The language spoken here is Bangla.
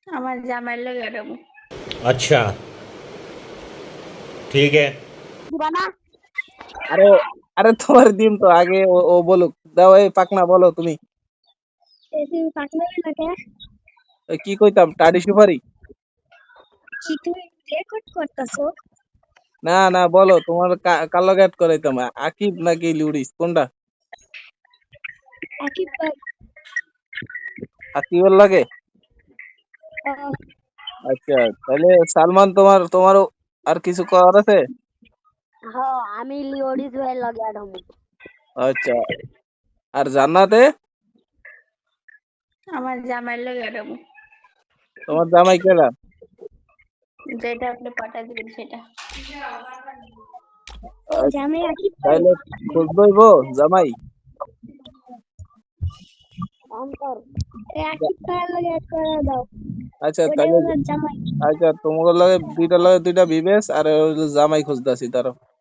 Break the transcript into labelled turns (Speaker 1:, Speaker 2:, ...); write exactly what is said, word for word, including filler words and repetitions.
Speaker 1: আমার জামাই লাগে দেবো।
Speaker 2: अच्छा ठीक है।
Speaker 1: দিবা না?
Speaker 3: আরে আরে তোমার দিন তো আগে ও, ও বলুক। দাও এই পাকনা বলো তুমি।
Speaker 1: এই তুমি পাকনা না কে?
Speaker 3: ওই কি কইতাম টাডি সুপারি?
Speaker 1: কি তুমি রেকর্ড করতেছো?
Speaker 3: না না বলো তোমার কা- কার লগে add করাইতাম আ- আকিব নাকি লিউডিস কোনটা?
Speaker 1: একই ভাই।
Speaker 3: আকিবের লাগে। আচ্ছা তাহলে সালমান তোমার তোমারও আর কিছু করার আছে?
Speaker 1: হ্যাঁ আমি লিওডিস ভাই লাগে দেবো।
Speaker 3: আচ্ছা আর জান্নাতে?
Speaker 1: আমার জামাই লাগে দেবো।
Speaker 3: তোমার জামাই কেডা?
Speaker 1: যেটা আপনি পাঠাই দিবেন সেটা।
Speaker 3: আচ্ছা,
Speaker 1: জামাই একই ভাই।
Speaker 3: তাহলে খুঁজবইবো জামাই।
Speaker 1: অন্তর একই ভাই লাগে অ্যাড করে দাও।
Speaker 3: আচ্ছা
Speaker 1: ওটাই
Speaker 3: তাহলে
Speaker 1: ওনার জামাই।
Speaker 3: আচ্ছা তোমার লগে দুইটা লগে দুইটা বিবেস আর হইলো জামাই খুঁজতাছি তার।